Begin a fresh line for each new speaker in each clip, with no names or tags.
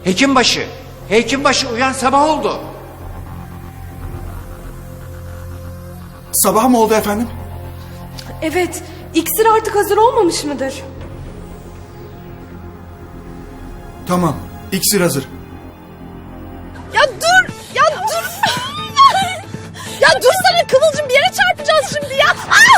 Hekimbaşı. Hekimbaşı uyan, sabah oldu.
Sabah mı oldu efendim?
Evet, iksir artık hazır olmamış mıdır?
Tamam, iksir hazır.
Ya dur! Ya dur! Ya dursana Kıvılcım, bir yere çarpacağız şimdi ya!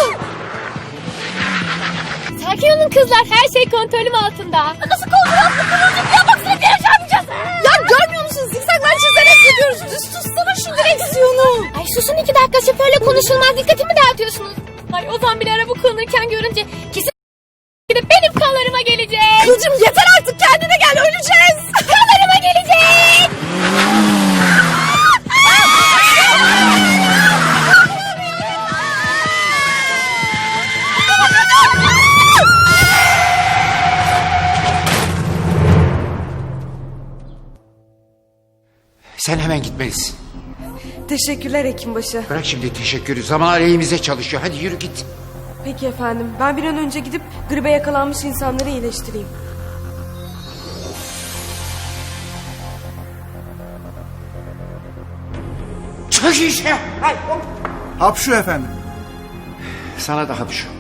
Sakin olun kızlar, her şey kontrolüm altında.
Nasıl kontrol altında Kıvılcım? Ya baksana, bir yere çarpacağız! Ya görmüyor musun? Zikzaklar çizerek gidiyoruz. Düz tutsana şu direksiyonu.
Ay susun 2 dakika, şoförle konuşulmaz, dikkatimi dağıtıyorsunuz. Ay Ozan bile araba kullanırken görünce kesin gidip benim kanlarıma gelecek.
Kıvılcım yeter artık, kendine gel, öleceğiz.
Kanlarıma gelecek.
Sen hemen gitmelisin.
Teşekkürler hekimbaşı.
Bırak şimdi teşekkürü. Zaman aleyhimize çalışıyor. Hadi yürü git.
Peki efendim, ben bir an önce gidip gribe yakalanmış insanları iyileştireyim.
Çık işte. Hay, hop.
Hapşu efendim.
Sana da hapşu.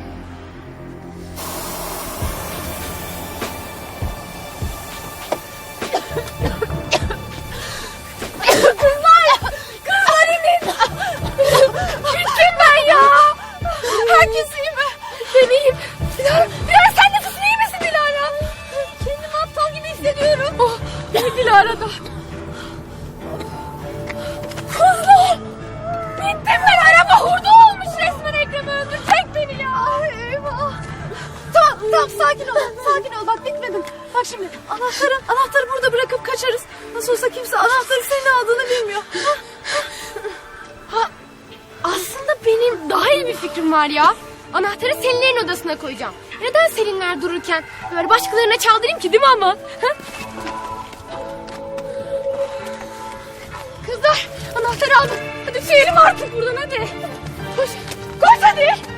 Bittim ben ya. Herkes iyi mi? Ben iyiyim. Dilara sen nasılsın, iyi misin Dilara? Kendimi aptal gibi hissediyorum. Oh, Dilara da. Kızlar. Bittim ben, araba hurda olmuş resmen, Ekrem öldürecek beni ya. Ay eyvah.
Tamam sakin ol bak, bitmedin. Bak şimdi anahtarı burada bırakıp kaçarız. Nasıl olsa kimse anahtarı senin aldığını bilmiyor.
Aslında benim daha iyi bir fikrim var ya. Anahtarı Selinlerin odasına koyacağım. Neden Selinler dururken böyle başkalarına çaldırayım ki, değil mi ama? Ha? Kızlar, anahtarı aldım. Hadi tüyelim artık buradan, hadi. Koş hadi.